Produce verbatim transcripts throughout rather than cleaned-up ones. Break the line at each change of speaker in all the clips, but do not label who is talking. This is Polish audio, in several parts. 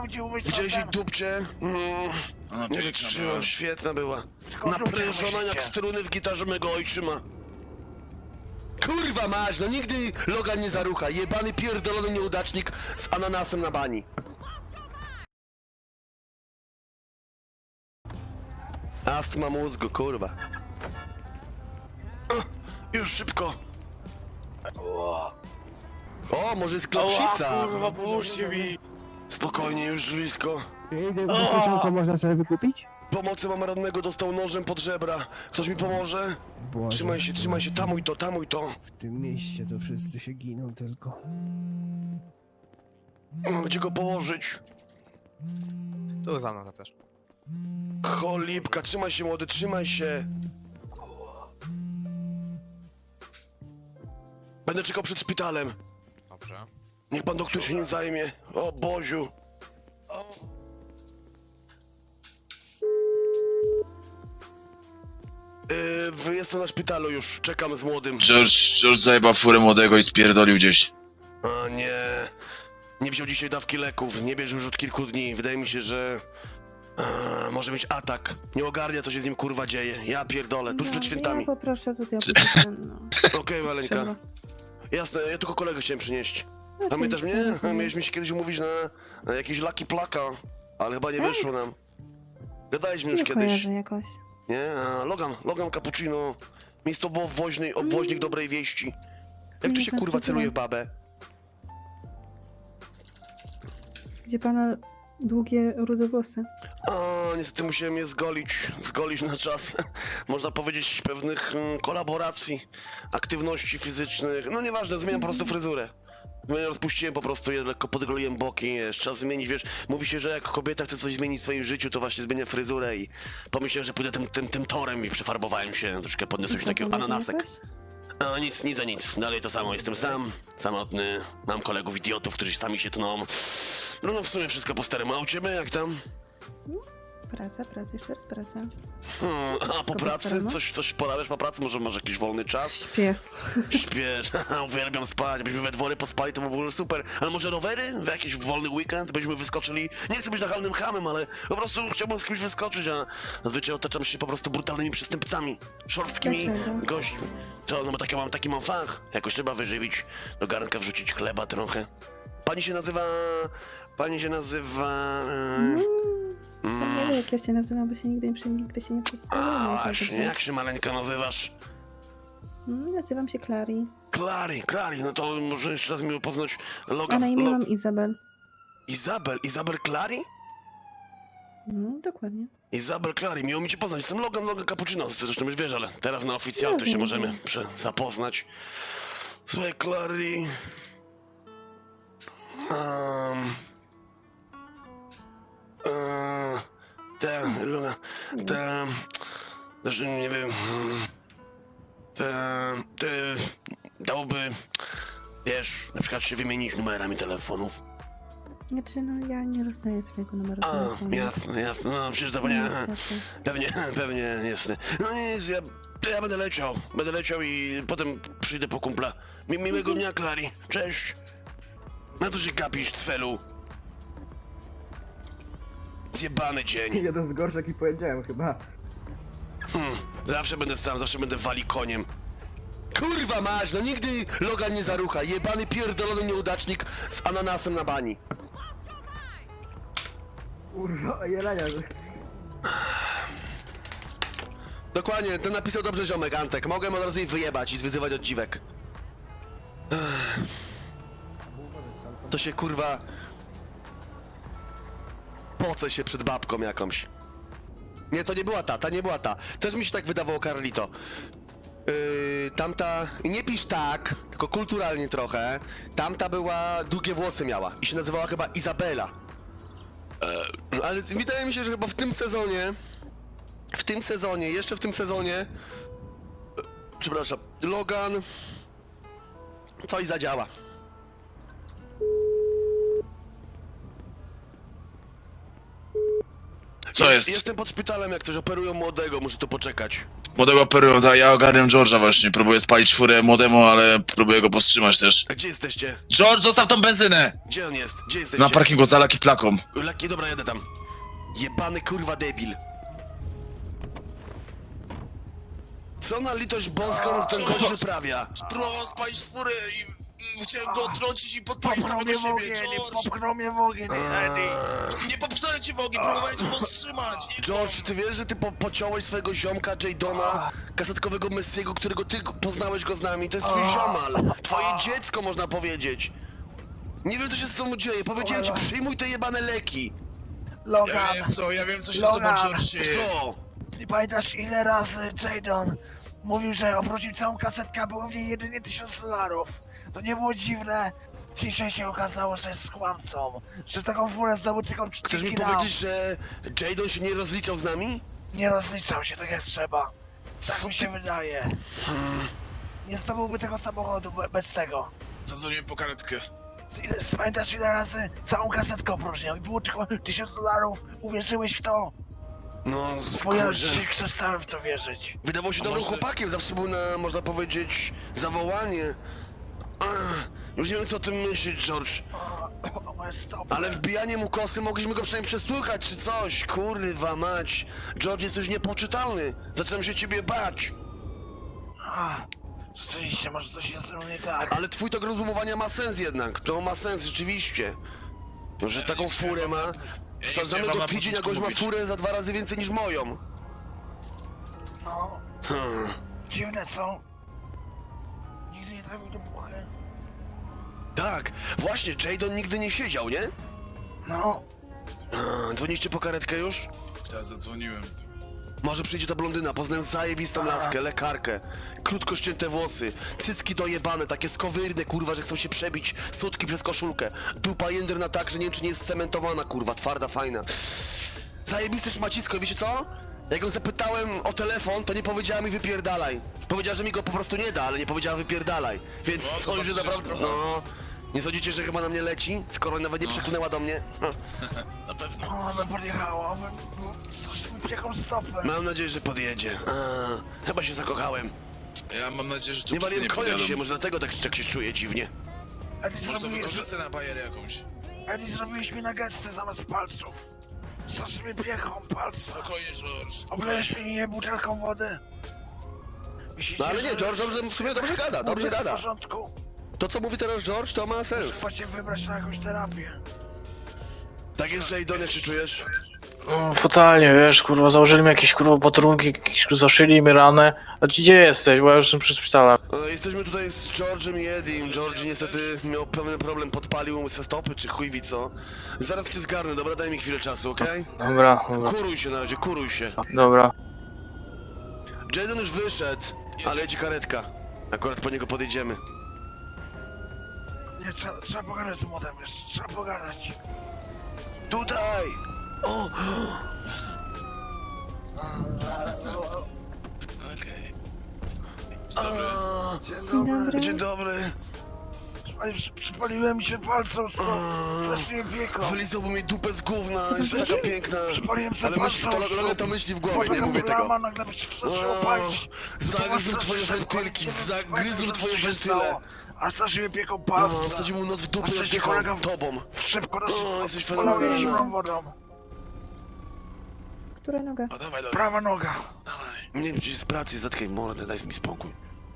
gdzie umyć
Widziałeś jej
ten.
dupcie? Mm.
Ona
Nie
piękna
wytrzyma,
była.
świetna była.
Tylko dupcie
Naprężona jak
umyślicie.
struny w gitarze mego ojczyma. Kurwa mać, no nigdy Logan nie zarucha. Jebany pierdolony nieudacznik z ananasem na bani. Astma mózgu, kurwa. O, już szybko. O, może jest klapsica.
Kurwa, pomóżcie mi!
Spokojnie, już blisko.
Idę w pociągu można sobie wykupić?
Pomocy mam rannego, dostał nożem pod żebra. Ktoś mi pomoże?
Boże,
Trzymaj się, trzymaj się, tamuj to, tamuj to.
w tym mieście to wszyscy się giną tylko.
Gdzie go położyć?
Tu za mną też.
Cholipka, trzymaj się młody, trzymaj się. Będę czekał przed szpitalem.
Dobrze.
Niech pan doktor się nim zajmie. O Boziu. Yy, jestem na szpitalu już, czekam z młodym.
George, George zajebał furę młodego i spierdolił gdzieś.
A nie. Nie wziął dzisiaj dawki leków, nie bierze już od kilku dni. Wydaje mi się, że... A, może mieć atak. Nie ogarnia, co się z nim kurwa dzieje. Ja pierdolę, tuż przed świętami.
Ja poproszę tutaj o potem, no.
Okej, Maleńka.
Trzeba.
Jasne, ja tylko kolegę chciałem przynieść.
No,
Pamiętasz
to
mnie?
nic nie
Mieliśmy się kiedyś umówić na, na jakiś Lucky Plaka, ale chyba nie
Tak?
wyszło nam. Gadaliśmy już
Nie
kiedyś.
kojarzę jakoś.
Nie? A, Logan, Logan Cappuccino. Miejscowo obwoźny, obwoźnik dobrej wieści. Jak tu
Nie
się
tak
kurwa celuje w
nazywa.
babę?
Gdzie pana długie, rude włosy?
A, niestety musiałem je zgolić. Zgolić na czas, można powiedzieć, pewnych mm, kolaboracji, aktywności fizycznych. No nieważne, zmieniam po prostu fryzurę. Zmieniam, rozpuściłem po prostu je, lekko podgoliłem boki, wiesz, trzeba zmienić, wiesz, mówi się, że jak kobieta chce coś zmienić w swoim życiu, to właśnie zmienia fryzurę i pomyślałem, że pójdę tym, tym, tym torem i przefarbowałem się, troszkę podniosłem się takiego
Zapomniał
ananasek.
jakoś?
A nic, nic za nic, dalej to samo, jestem sam, samotny, mam kolegów idiotów, którzy sami się tną. No no w sumie wszystko po staremu, a u ciebie jak tam?
Praca, praca, jeszcze raz praca.
Hmm, a po
Wszystko po
pracy?
staremu?
Coś, coś porabiasz po pracy? Może masz jakiś wolny czas?
Śpię.
Śpiesz, uwielbiam spać, byśmy we dwoje pospali, to by było super. Ale może rowery? W jakiś wolny weekend? Byśmy wyskoczyli, nie chcę być nachalnym hamem, ale po prostu chciałbym z kimś wyskoczyć, a zazwyczaj otaczam się po prostu brutalnymi przestępcami, szorstkimi
Dlaczego?
gośćmi. Co, no bo taki mam, taki mam fach, jakoś trzeba wyżywić, do garnka wrzucić chleba trochę. Pani się nazywa... Pani się nazywa...
Ja nie wiem, jak ja się nazywam, bo się nigdy, nigdy, nigdy się nie przedstawiłam.
A
tak
właśnie,
dobrze.
jak się maleńka nazywasz?
Mm, Nazywam się Clary.
Clary, Clary, no to może jeszcze raz miło poznać
A
Logan.
na imię
Lo-
mam Izabel.
Izabel, Izabel Clary?
No, dokładnie.
Izabel Clary, miło mi cię poznać, jestem Logan, Logan Cappuccino, zresztą już wiesz, ale teraz na oficjal
No
to się
wiem,
możemy
wiem.
prze- zapoznać. Słuchaj, Clary... Um, um, te, Logan, te... Zresztą nie wiem... mm, Te... te... Dałoby... Wiesz, na przykład się wymienić numerami telefonów.
Znaczy, no ja nie rozdaję swojego numeru
A,
telefonu.
jasne, jasne, no przecież zapomniałem.
Niestety.
Pewnie, pewnie, jasne. No nic, ja, to ja będę leciał, będę leciał i potem przyjdę po kumpla. Mi, miłego dnia, Clary, cześć. Na to się gapisz, cfelu. Zjebany dzień.
Jeden z gorszych, jaki powiedziałem chyba.
Hmm, zawsze będę sam, zawsze będę wali koniem. Kurwa mać, no nigdy Logan nie zarucha. Jebany pierdolony nieudacznik z ananasem na bani.
Kurwa, jelenia.
Dokładnie, to napisał dobrze ziomek, Antek. Mogłem od razu jej wyjebać i zwyzywać od dziwek. Ech. To się kurwa... Pocę się przed babką jakąś. Nie, to nie była ta, ta nie była ta. Też mi się tak wydawało, Carlito. Yy, tamta... Nie pisz tak, tylko kulturalnie trochę. Tamta była... długie włosy miała i się nazywała chyba Izabela. Eee, ale wydaje mi się, że chyba w tym sezonie... W tym sezonie, jeszcze w tym sezonie... e, Przepraszam, Logan... Coś zadziała.
Co jest?
Jestem pod szpitalem, jak coś operują młodego, muszę tu poczekać.
Młodego operują, tak, ja ogarniam George'a właśnie. Próbuję spalić furę młodemu, ale próbuję go powstrzymać też.
A gdzie jesteście?
George, zostaw tą benzynę!
Gdzie on jest? Gdzie jesteście?
Na parkingu za Lucky Plaką.
Laki, dobra, jadę tam. Jebany kurwa debil. Co na litość boską ten gość wyprawia?
Próbował spalić furę i chciałem go odtrącić i podpalić
Popchnął
samego
mnie w
siebie.
ogień,
George,
popchnął mnie w ogień, Eddie.
nie popchnąłem cię w ogień, próbowałem cię powstrzymać. Nie
George, ty wiesz, że ty po pociąłeś swojego ziomka Jadona, kasetkowego Messiego, którego ty poznałeś go z nami. To jest twój ziomal. Twoje dziecko, można powiedzieć. Nie wiem, co się z tobą dzieje. Powiedziałem ci, przyjmuj te jebane leki.
Ja
Logan,
wiem co, ja wiem co się z tobą,
Logan.
George, dzieje.
Co?
ty pamiętasz ile razy Jadon mówił, że obrócił całą kasetkę, a było w niej jedynie tysiąc dolarów. To nie było dziwne. Dzisiaj się okazało, że jest kłamcą. Że taką furę zdobył tylko
Chcesz mi
czterdzieści nam.
powiedzieć, że Jadon się nie rozliczał z nami?
Nie rozliczał się tak jak trzeba. Tak mi się wydaje. Nie zdobyłby tego samochodu be- bez tego.
Zadzwoniłem po karetkę.
Ile, pamiętasz ile razy całą kasetkę opróżniał i było tylko tysiąc dolarów. Uwierzyłeś w to?
No,
Bo ja
kurczę.
dzisiaj przestałem w to wierzyć.
Wydawał się
A
dobrym
może-
chłopakiem, zawsze był na, można powiedzieć, zawołanie. Ach, już nie wiem, co o tym myśleć, George.
O, o moje stopy.
Ale wbijanie mu kosy mogliśmy go przynajmniej przesłuchać, czy coś. Kurwa mać. George, jesteś niepoczytalny. Zaczynam się ciebie bać.
A, rzeczywiście, może coś jest ze mną nie tak.
Ale twój tok rozumowania ma sens jednak. To ma sens, rzeczywiście. Że taką
nie chciałem
furę
wam
ma.
na- ja nie
Sprawdzamy
chciałem
go
wam na
tydzień, a
początku
gość ma
mówić.
furę za dwa razy więcej niż moją.
No,
Hmm.
dziwne co? Nigdy nie trafił do buchy.
Tak, właśnie, Jadon nigdy nie siedział, nie?
No,
A, dzwoniście po karetkę już?
Ja zadzwoniłem.
Może przyjdzie ta blondyna, poznałem zajebistą laskę, lekarkę. Krótko ścięte włosy, cycki dojebane, takie skowyrne, kurwa, że chcą się przebić sutki przez koszulkę. Dupa jędrna tak, że nie wiem, czy nie jest cementowana, kurwa, twarda, fajna. Zajebiste szmacisko, i wiecie co? Jak ją zapytałem o telefon, to nie powiedziała mi wypierdalaj. Powiedziała, że mi go po prostu nie da, ale nie powiedziała wypierdalaj. Więc
No, to
sądzę, że
znaczy, że
naprawdę...
trochę.
No... Nie sądzicie, że chyba na mnie leci? Skoro nawet nie przypłynęła do mnie? Hm.
Na pewno.
ona by podjechała, bym strasznie jaką stopę.
Mam nadzieję, że podjedzie. A, chyba się zakochałem.
Ja mam nadzieję, że tu
Nie
psy
waliłem
nie
konia
podjadą.
dzisiaj, może dlatego tak, tak się czuję dziwnie.
Eddie,
Może to
zrobi,
wykorzystaj na bajerę jakąś.
Eddie zrobiłeś mi nuggetsy zamiast palców. Strasznie mnie piechą palce.
Spokojnie, George.
Oblejesz mnie butelką wody. Myślicie,
No ale nie,
że-
George dobrze, w sumie dobrze gada, dobrze
Mówię,
gada.
W porządku.
To co mówi teraz George, to ma sens.
Trzeba cię wybrać na jakąś terapię.
Tak jest, Jadon, jak się czujesz?
No, fatalnie, wiesz, kurwa, założyli mi jakieś, kurwa, potrunki, jakieś- zaszyli mi ranę. A ty gdzie jesteś? Bo ja już jestem przed szpitalem.
E, Jesteśmy tutaj z George'em i Edim. George niestety miał pewien problem, podpalił mu se stopy, czy chuj wie co. Zaraz cię zgarnę, dobra, daj mi chwilę czasu, okej?
Dobra, dobra,
Kuruj się na razie, kuruj się.
dobra.
Jadon już wyszedł, ale jedzie karetka. Akurat po niego podjedziemy.
Nie, trzeba, trzeba pogadać z młodym, wiesz, trzeba pogadać.
Tutaj! O!
Okej.
A,
Dzień
Dzień
dobry.
dobry.
Dzień dobry.
Przy- przy- Przypaliłem mi się palcem, strasznie mnie pieką.
Wylizałby mi dupę z gówna, jest taka piękna.
Przypaliłem się
Ale myśli, to,
palcem.
Logan to myśli w głowie, nie mówię tego.
Lama, nagle by się zaczęło palić.
Zagryzł twoje wentylki, zagryzł twoje wentyle.
A strasznie mnie pieką
O,
palce.
wsadził mu noc w dupę
A
i
przecież
odpiechał
kolega w-
tobą.
Szybko nas
O, jesteś
polał
fenomenalna.
zimną wodą.
Która noga?
A dawaj, Logan,
Prawa noga.
dawaj.
Nie wiem, gdzieś z pracy, zatkaj mordę, daj mi spokój.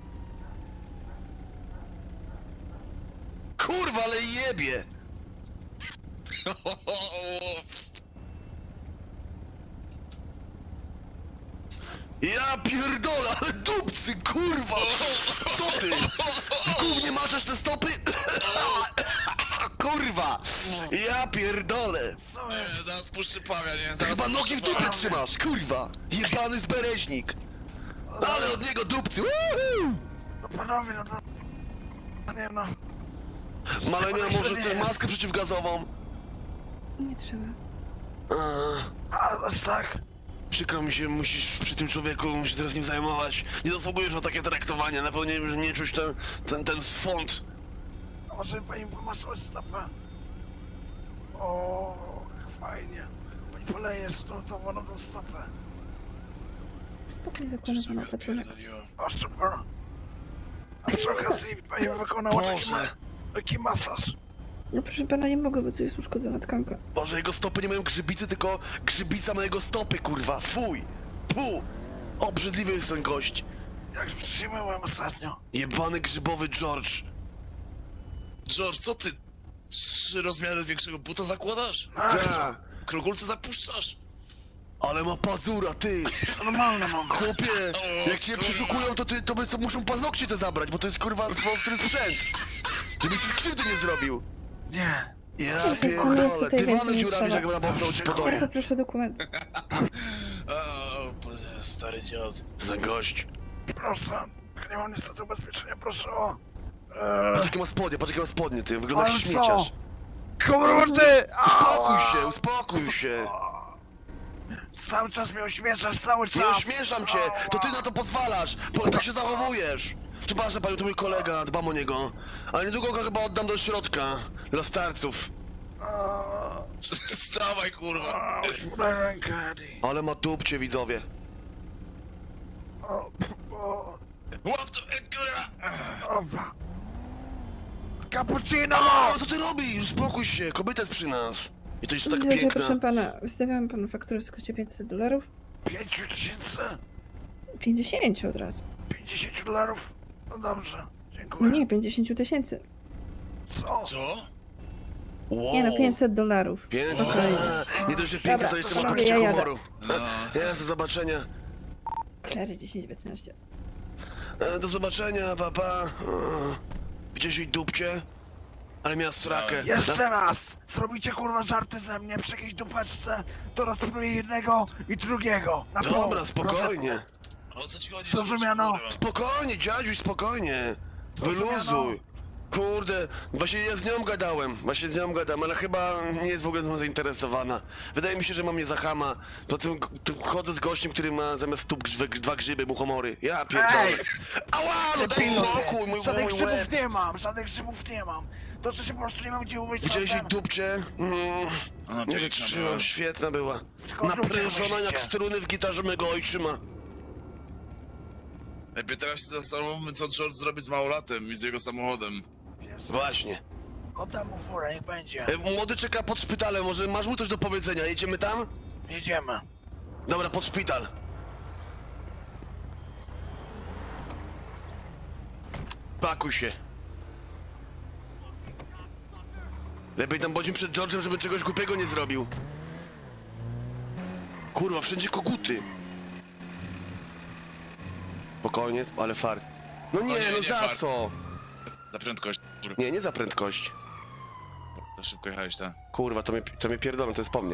Kurwa, ale jebie! Ja pierdolę, ale dupcy, kurwa! Co ty? W gównie maczasz te stopy? Kurwa! Ja pierdolę!
Co jest?
Nie, zaraz puszczy pawia, nie?
Ty
Zaraz
chyba nogi w
puszczy
dupie
pawia.
trzymasz, kurwa! Jebany zbereźnik! Ale od niego dupcy! Woohoo!
No panowie, no to... No nie no.
Malenia, może chcesz maskę przeciwgazową?
Nie trzeba.
Eee,
A, aż tak?
przykro mi się, musisz przy tym człowieku się teraz nim zajmować. Nie zasługujesz na takie traktowanie, na pewno nie, nie czuć ten, ten, ten swąd.
A może pani pomasować stopę? O, jak fajnie. Pani poleje z tą, tą wodą tą stopę.
Spokojnie, zakładam pana opatrunek.
O, super. A przy okazji pani wykonała taki, ma
Boże.
taki masaż.
No proszę pana, nie mogę, bo tu jest uszkodzona tkanka.
Boże, jego stopy nie mają grzybicy, tylko grzybica mojego stopy, kurwa. Fuj. Pu. Obrzydliwy jest ten gość.
Jak przyjmowałem ostatnio.
Jebany grzybowy George.
George, co ty? Trzy rozmiary większego buta zakładasz?
Ta.
Krogulce zapuszczasz?
Ale ma pazura, ty.
Normalne mam.
Chłopie,
O,
jak cię
kurwa.
przeszukują, to ty, to by, to muszą paznokcie te zabrać, bo to jest kurwa ostry sprzęt. Żebyś ci krzywdy nie zrobił.
Nie.
Ja
Proszę,
pierdolę,
tutaj
dywany
więcej
dziurami,
nie
że jakby nabossał ci po domu.
Poproszę dokument.
O, Boże, stary dziad.
Za gość.
Proszę. Nie mam niestety ubezpieczenia, proszę o... Eee,
Patrz jakie ma spodnie, patrz jakie ma spodnie, ty, wygląda jak
Ale co?
śmieciarz.
Komorty!
Uspokój się, uspokój się.
Cały czas mnie ośmieszasz, cały czas!
Nie ośmieszam cię, to ty na to pozwalasz, bo tak się zachowujesz. Przepraszam panią, to mój kolega, dbam o niego. Ale niedługo go chyba oddam do środka, dla starców.
Wstawaj, kurwa.
Daj rękę, Eddie.
Ale ma tupcie, widzowie.
O, o,
Łap to, e, kurwa.
opa. Cappuccino!
O, co ty robisz? Uspokój się, kobieta jest przy nas. I to jeszcze tak
Dobrze,
piękna.
proszę pana, wystawiam panu fakturę w wysokości pięćset dolarów.
Pięciu tysięcy?
pięćdziesiąt od razu.
Pięćdziesięciu dolarów? No dobrze,
No
dziękuję.
nie, pięćdziesiąt tysięcy.
Co?
Co?
Wow.
Nie no, pięćset dolarów.
Piękna.
Spokojnie.
Nie dość, że piękna,
Dobra,
to jeszcze ma
panowie,
poczucie
ja jadę.
humoru.
No.
Jest, do zobaczenia.
Klary dziesięć piętnaście.
E, Do zobaczenia, papa. Pa. Widziałeś jej dupcie? Ale miała srakę.
Jeszcze raz! Zrobicie kurwa żarty ze mnie przy jakiejś dupeczce, to rozpróbuję jednego i drugiego. Na pół.
Dobra, spokojnie.
O co ci chodzi?
Zrozumiano.
kurwa?
Spokojnie, dziadziuś, spokojnie. Wyluzuj. Kurde, właśnie ja z nią gadałem, właśnie z nią gadam, ale chyba nie jest w ogóle mną zainteresowana. Wydaje mi się, że mam mnie za chama. Poza tym tu chodzę z gościem, który ma zamiast stóp grzyby, dwa grzyby, muchomory. Ja pierdolę.
Ej!
Ała, no daj
Pilnuj.
spokój, mój,
Żadnych
mój
grzybów
łeb.
nie mam, żadnych grzybów nie mam. To co się po prostu nie mam gdzie umyć.
Widziałeś jej
czasem.
dupcie? Mm,
Ona
nie
piękna
wytrzymam,
była.
świetna była.
Tylko dupcie
Naprężona jak
myślicie.
struny w gitarze mego ojczyma.
Lepiej teraz się zastanówmy, co George zrobi z małolatem i z jego samochodem.
Wiesz,
Właśnie.
oddam mu furę, niech będzie.
E, Młody czeka pod szpitalem, może masz mu coś do powiedzenia? Jedziemy tam?
Jedziemy.
Dobra, pod szpital. Pakuj się. Lepiej tam bądźmy przed George'em, żeby czegoś głupiego nie zrobił. Kurwa, wszędzie koguty. Spokojnie, ale fart. No nie,
O nie,
no
nie
za
fart.
co?
Za prędkość. Kurwa,
Nie, nie za prędkość.
za szybko jechałeś, tak?
Kurwa, to mnie, to mnie pierdolą, to jest po mnie.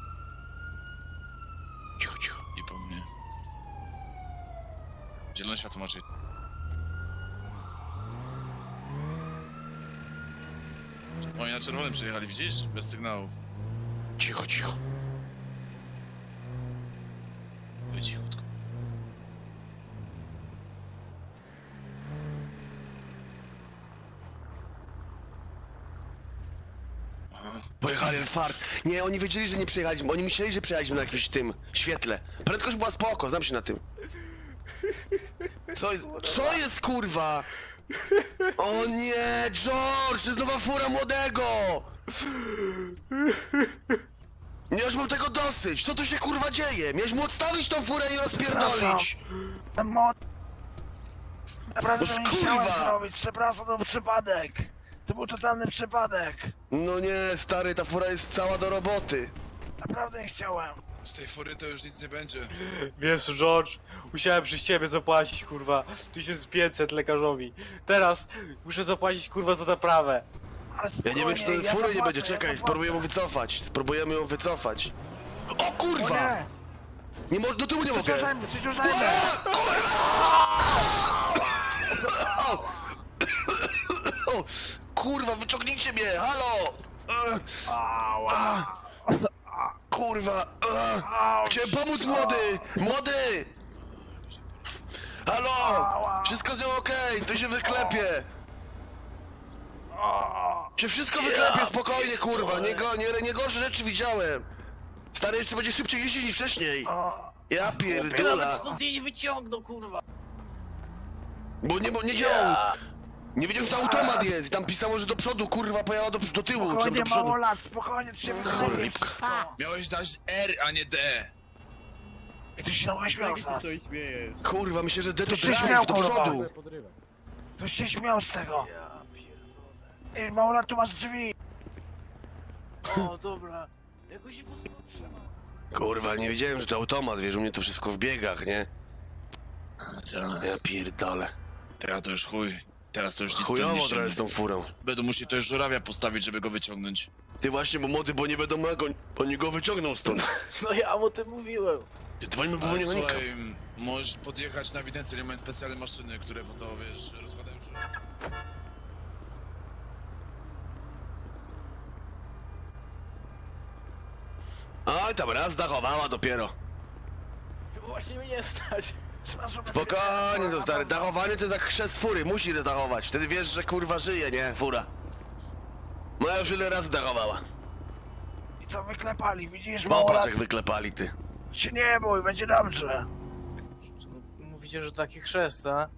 Cicho, cicho.
I po mnie. Zielone światło macie. Oni na czerwonym przyjechali, widzisz? Bez sygnałów.
Cicho, cicho.
Mówię cichutko.
Pojechali fart. Nie, oni wiedzieli, że nie przyjechaliśmy. Oni myśleli, że przyjechaliśmy na jakimś tym świetle. Prędkość była spoko, znam się na tym. Co jest? Co jest kurwa? O nie, George, to jest nowa fura młodego! Nie, już mam tego dosyć. Co tu się kurwa dzieje? Miałeś mu odstawić tą furę i rozpierdolić.
Ten mod... Naprawdę
Boż,
to nie chciałem
kurwa!
zrobić, przepraszam, to był przypadek. To był totalny przypadek.
No nie, stary, ta fura jest cała do roboty.
Naprawdę nie chciałem.
Z tej fury to już nic nie będzie.
Wiesz, George, musiałem przez ciebie zapłacić, kurwa, tysiąc pięćset lekarzowi. Teraz muszę zapłacić, kurwa, za naprawę.
Ale
Ja nie wiem, czy
spokojnie,
to fury nie
zapłacę,
będzie. Czekaj,
ja
spróbujemy ją
zapłacę.
wycofać. Spróbujemy ją wycofać. O
O
kurwa!
nie!
Nie może, do tyłu nie mogę!
Przyciążajmy, przyciążajmy!
O, kurwa, wyciągnijcie mnie! Halo! E,
Ała!
kurwa! E,
Auć.
chciałem pomóc, młody! Młody! Halo! Wszystko z nią okej, to się wyklepie! Się wszystko wyklepie, spokojnie, kurwa! Nie, go, nie, nie gorsze rzeczy widziałem! Stary, jeszcze będzie szybciej jeździć niż wcześniej!
O,
Ja
Chłopie, nawet
pierdolę.
stąd jej nie wyciągnął, kurwa.
Bo nie, bo nie działał. Nie wiedział, że to automat jest i tam pisało, że do przodu, kurwa, pojechała do, do tyłu, czy tam
Spokojnie,
do przodu.
mało lat, spokojnie, ty się wyklepiesz
Cholipka.
wszystko.
Miałeś dać R, a nie D.
I ty się naśmiał z nas.
Kurwa, myślę, że D to
Ty się śmiał,
drive, do
kurwa.
przodu.
Ktoś się śmiał z tego.
Ja pierdolę.
Ej, mało lat, tu masz drzwi.
O, dobra. Jakoś się poskoczył.
Kurwa, nie wiedziałem, że to automat, wiesz, u mnie to wszystko w biegach, nie?
Co?
Ja pierdolę.
Teraz to już chuj. Teraz to już nic tu
Chujowo
nie
trochę
ściągnie.
z tą furą.
Będą musieli to już żurawia postawić, żeby go wyciągnąć.
Ty właśnie, bo młody, bo nie wiadomo jak on, oni go wyciągną stąd.
No ja o tym mówiłem.
Dzwońmy po
Ale
mechanika.
słuchaj, możesz podjechać na ewidencję, nie mają specjalne maszyny, które po to, wiesz, rozkładają żurawia.
Oj, tam raz dachowała dopiero.
Właśnie mnie nie stać.
Spokojnie, to stary, dachowanie to jest jak chrzest fury, musi dachować. Wtedy wiesz, że kurwa żyje, nie? Fura. Moja już ile razy dachowała.
I co wyklepali, widzisz, mało lat?
Popatrz jak wyklepali, ty.
Się nie bój, będzie dobrze.
Mówicie, że taki chrzest, a?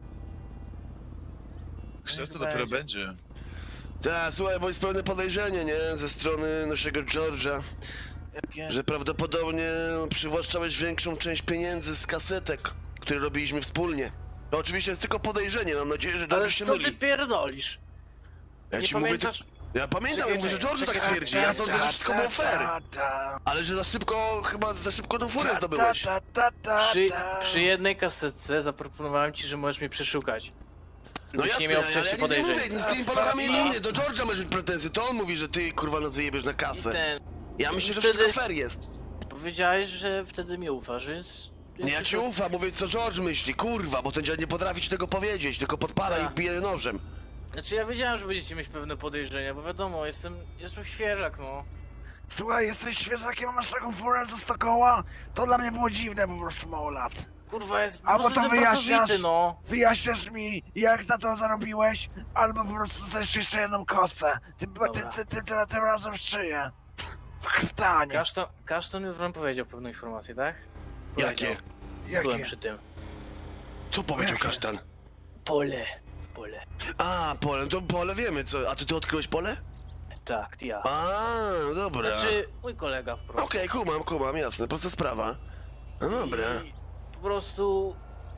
Chrzest to
Nie
dopiero
będzie.
będzie.
Tak, słuchaj, bo jest pewne podejrzenie, nie? Ze strony naszego George'a,
Jakie?
że prawdopodobnie przywłaszczałeś większą część pieniędzy z kasetek, które robiliśmy wspólnie. To oczywiście jest tylko podejrzenie, mam nadzieję, że
Ale
George się
co ty
myli.
pierdolisz?
Ja
nie
ci mówię,
pamiętasz-
ty... Ja pamiętam,
Czekaj,
mówię, że
czekaj,
George tak
czekaj,
twierdzi, ja sądzę, że wszystko było fair.
Ta, ta,
Ale że za szybko, chyba za szybko tą furę
ta,
zdobyłeś.
ta, ta, ta,
Przy,
ta.
przy jednej kasetce zaproponowałem ci, że możesz mnie przeszukać.
No
Żebyś
jasne,
nie miał
ale ja
wcześniej
nic nie
podejrzeń.
mówię, nic z tymi polachami
I-
do mnie, do George'a masz mieć pretensje, to on mówi, że ty kurwa no zajebiesz na
I
kasę.
ten...
Ja myślę, że
wtedy-
wszystko fair jest.
Powiedziałeś, że wtedy mi ufasz, więc...
Nie, ja ci ufam, mówię co George myśli, kurwa, bo ten dziad nie potrafi ci tego powiedzieć, tylko podpala
Tak.
i bije nożem.
Znaczy ja wiedziałem, że będziecie mieć pewne podejrzenia, bo wiadomo, jestem... jestem świeżak, no.
Słuchaj, jesteś świeżakiem, a masz taką furę ze stokoła? To dla mnie było dziwne po prostu mało lat.
Kurwa, jest
A
po prostu
potem
jestem
wyjaśniasz?
pracowity, no.
Wyjaśniasz mi, jak na to zarobiłeś, albo po prostu dostajesz jeszcze jedną kosę. Tym, ty,
Dobra.
ty, ty, ty, tym razem w szyję. W krtanie.
Kaszton, Kaszton już wam powiedział pewną informację, tak?
Jakie?
Powiedział. Byłem przy tym.
Co powiedział
Jakie?
kasztan?
Pole. Pole.
A, pole, to pole wiemy, co, a ty ty odkryłeś pole?
Tak, ja.
A, dobra.
Znaczy, mój kolega po prostu.
Okej, kumam, kumam, jasne, prosta sprawa. No dobra.
I po prostu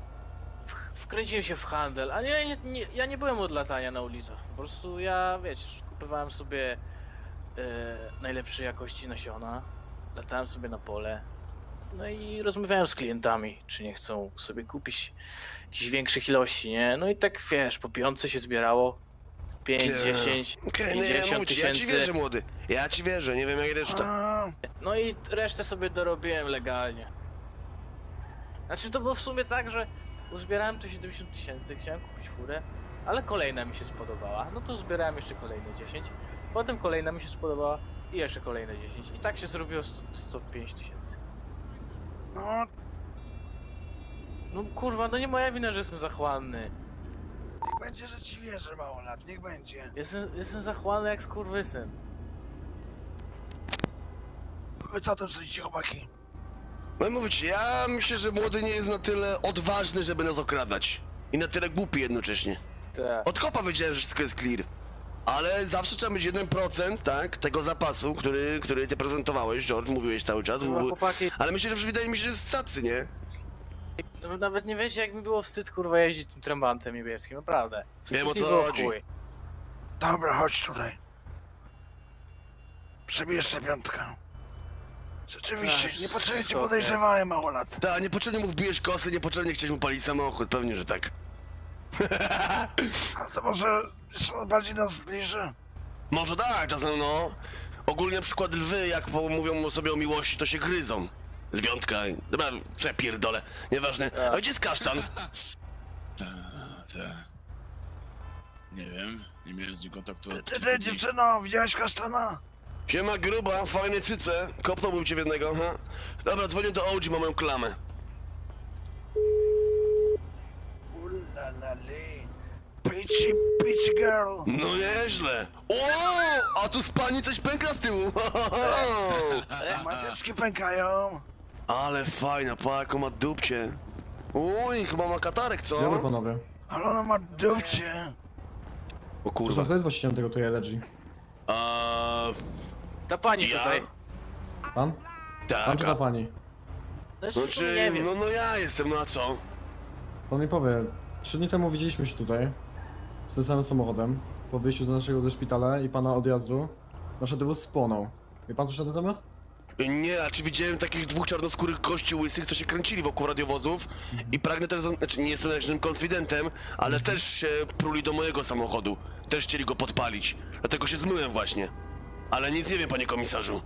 w- wkręciłem się w handel, a nie, nie, nie, ja nie byłem od latania na ulicach. Po prostu ja, wiesz, kupowałem sobie e, najlepszej jakości nasiona, latałem sobie na pole, no i rozmawiałem z klientami, czy nie chcą sobie kupić jakichś większych ilości, nie? No i tak, wiesz, po piątce się zbierało, pięć,
Nie.
dziesięć,
Okej, nie, ja
pięćdziesiąt
mówię ci, ja ci wierzę,
tysięcy,
młody. Ja ci wierzę, nie wiem jak reszta.
A,
no i resztę sobie dorobiłem legalnie. Znaczy to było w sumie tak, że uzbierałem to siedemdziesiąt tysięcy, chciałem kupić furę, ale kolejna mi się spodobała, no to zbierałem jeszcze kolejne dziesięć, potem kolejna mi się spodobała i jeszcze kolejne dziesięć i tak się zrobiło sto, sto pięć tysięcy.
no,
No kurwa, no nie moja wina, że jestem zachłanny.
niech będzie, że ci wierzę mało lat, niech będzie.
Jestem, jestem zachłanny jak skurwysyn.
Wy co o tym sądzicie, chłopaki?
No mówię ci, ja myślę, że młody nie jest na tyle odważny, żeby nas okradać. I na tyle głupi jednocześnie.
Tak.
Od kopa wiedziałem, że wszystko jest clear. Ale zawsze trzeba mieć jeden procent, tak, tego zapasu, który, który ty prezentowałeś, George, mówiłeś cały czas.
Kurwa,
Był-
chłopaki,
Ale myślę, że wydaje mi się, że jest cacy, nie?
no, nawet nie wiecie jak mi było wstyd kurwa jeździć tym trębantem niebieskim, naprawdę. Wstyd
Wiem, o
mi
co
było w
chodzi.
chuj.
Dobra, chodź tutaj. Przebijesz sobie piątkę. Rzeczywiście,
Ach,
niepotrzebnie cię
spoko.
podejrzewałem mało lat.
Tak, niepotrzebnie mu wbijesz kosy, niepotrzebnie chciałeś mu palić samochód, pewnie, że tak.
A to może jeszcze bardziej nas zbliży?
Może tak, czasem no. Ogólnie na przykład lwy, jak po- mówią sobie o miłości, to się gryzą. Lwiątka, i- dobra, przepierdolę, nieważne. A gdzie jest kasztan?
Ta, ta. Nie wiem, nie miałem z nim kontaktu
Ty,
od
ty,
kilku
ty
dni.
dziewczyno, widziałeś kasztana?
Siema gruba, fajne cyce, kopnąłbym cię w jednego, ha? Dobra, dzwonię do O G, mam moją klamę.
Ulalali. Peachy, peachy girl.
No nieźle. O, a tu z pani coś pęka z tyłu.
Mateczki pękają.
Ale fajna, pa, jaką ma dupcie. Uj, chyba ma katarek, co?
Dobry panowie.
Ale ona ma dupcie.
O
Proszę,
kurwa.
kto jest właścicielem tego tutaj Elegy?
A,
Ta pani
ja?
tutaj.
Pan? Pan
Tak,
czy ta
a,
pani?
Znaczy,
znaczy,
nie wiem.
no, no ja jestem, no a co?
Pan mi powie, trzy dni temu widzieliśmy się tutaj z tym samym samochodem po wyjściu z naszego ze szpitala i pana odjazdu. Nasz autobus spłonął. Wie pan coś na ten temat?
Nie, a czy widziałem takich dwóch czarnoskórych gości łysych, co się kręcili wokół radiowozów i pragnę też, zan- znaczy nie jestem jakimś konfidentem, ale też się pruli do mojego samochodu. Też chcieli go podpalić, dlatego się zmyłem właśnie. Ale nic nie wiem, panie komisarzu.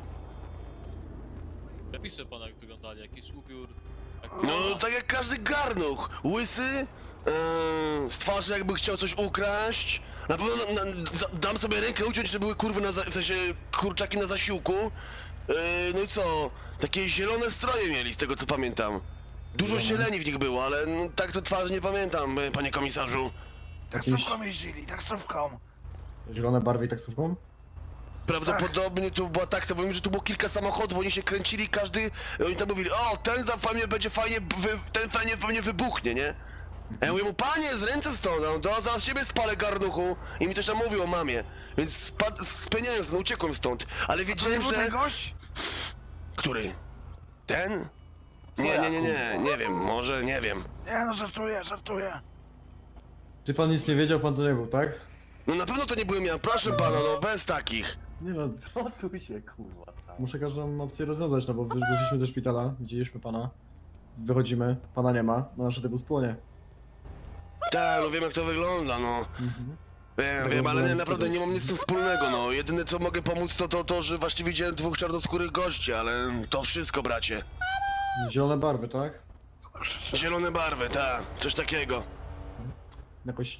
Napiszę pana, jak wyglądali, jakiś ubiór. Jak...
No, tak jak każdy garnuch. Łysy, yy, z twarzy jakby chciał coś ukraść. Na pewno na, na, za, dam sobie rękę uciąć, że były kurwy na za, w sensie kurczaki na zasiłku. Yy, no i co? Takie zielone stroje mieli, z tego co pamiętam. Dużo zieleni w nich było, ale no, tak to twarzy nie pamiętam, e, panie komisarzu.
Taksówką jeździli, taksówką.
Zielone barwy i taksówką?
Prawdopodobnie tu była taksa, bo wiem, że tu było kilka samochodów, oni się kręcili, każdy, oni tam mówili, o, ten za pewnie będzie fajnie, wy, ten fajnie pewnie wybuchnie, nie? A ja mówię mu, panie, z ręce stąd, no, to zaraz siebie spalę garnuchu i mi też tam mówił o mamie, więc spad, spieniałem, no, uciekłem stąd, ale
To nie
wiedziałem,
był
że...
ten gość?
Który? Ten? Nie, nie, nie, nie, nie wiem, może, nie wiem.
Nie no, żartuję, żartuję.
Czy pan nic nie wiedział, pan to nie był, tak?
No na pewno to nie byłem ja, proszę pana, no, bez takich.
Nie no, co tu się kurwa Muszę każdą opcję rozwiązać, no bo wy- wyszliśmy ze szpitala, widzieliśmy pana. Wychodzimy, pana nie ma, no nasz autobus płonie.
Tak, no wiem jak to wygląda, no.
Mhm.
Wiem, wiem, ale nie, naprawdę nie mam nic z tym wspólnego, no. Jedyne co mogę pomóc to to, to że właściwie widziałem dwóch czarnoskórych gości, ale to wszystko, bracie.
Zielone barwy, tak?
Zielone barwy, tak, coś takiego.
Jakoś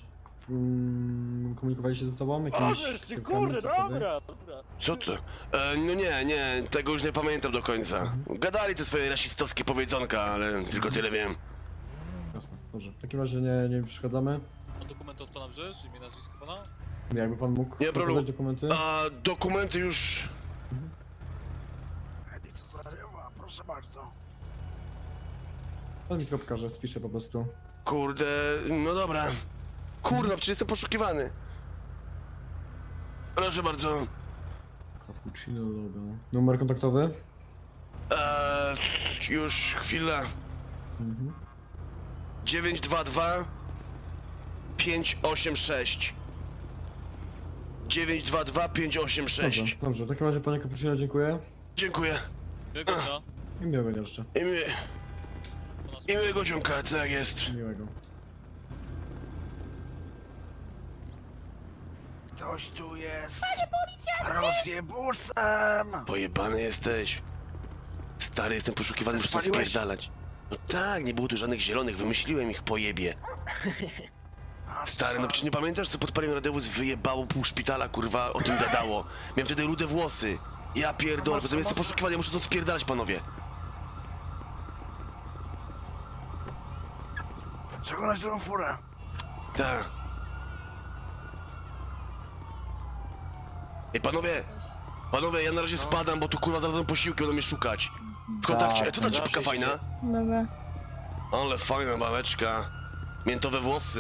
mm, komunikowali się ze sobą? Jakimiś
ty
ksywkami,
kurde,
cokolwiek?
dobra, dobra.
Co to? E, no nie, nie, tego już nie pamiętam do końca. Gadali te swoje rasistowskie powiedzonka, ale tylko tyle wiem.
Jasne, dobrze. W takim razie nie, nie przeszkadzamy.
Mam dokument od pana wrzesz, imię, nazwisko pana?
Jakby pan mógł
Nie, problemu.
pokazać dokumenty?
A dokumenty już...
Edicja zarywa, proszę bardzo.
Pan mi kropka, że spiszę po prostu.
Kurde, no dobra. Kurwa, przecież jestem poszukiwany. Proszę bardzo.
Cappuccino logo. Numer kontaktowy?
Eee, już chwila.
Mhm.
dziewięć dwa dwa pięć osiem sześć. dziewięć dwa dwa pięć osiem
Dobrze,
sześć.
dobrze. W takim razie panie Cappuccino dziękuję.
Dziękuję.
Miłego dnia.
I miłego dnia jeszcze.
I, mi,
Pana
i miłego dziąka, tak jest.
Miłego.
Ktoś tu jest. Panie policjancie! Rozjebusem!
Pojebany jesteś. Stary, jestem poszukiwany, muszę to
Spaliłeś?
spierdalać. No tak, nie było tu żadnych zielonych, wymyśliłem ich pojebie.
A
Stary, no
co?
przecież nie pamiętasz, co podpaliłem radiowóz, wyjebało pół szpitala, kurwa, o tym gadało. Miałem wtedy rude włosy. Ja pierdolę, potem jestem poszukiwany, ja muszę to spierdalać, panowie.
Przekonać drugą furę.
Tak. Ej, panowie! Panowie, ja na razie spadam, bo tu kurwa zaraz będą posiłki, będą mnie szukać. W kontakcie. E, co ta
zawsze
czapka
się-
fajna?
Dobra.
Ale fajna babeczka. Miętowe włosy.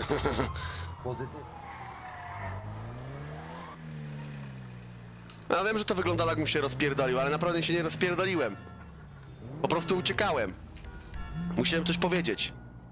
Ja wiem, że to wyglądało jakbym się rozpierdolił, ale naprawdę się nie rozpierdoliłem. Po prostu uciekałem. Musiałem coś powiedzieć.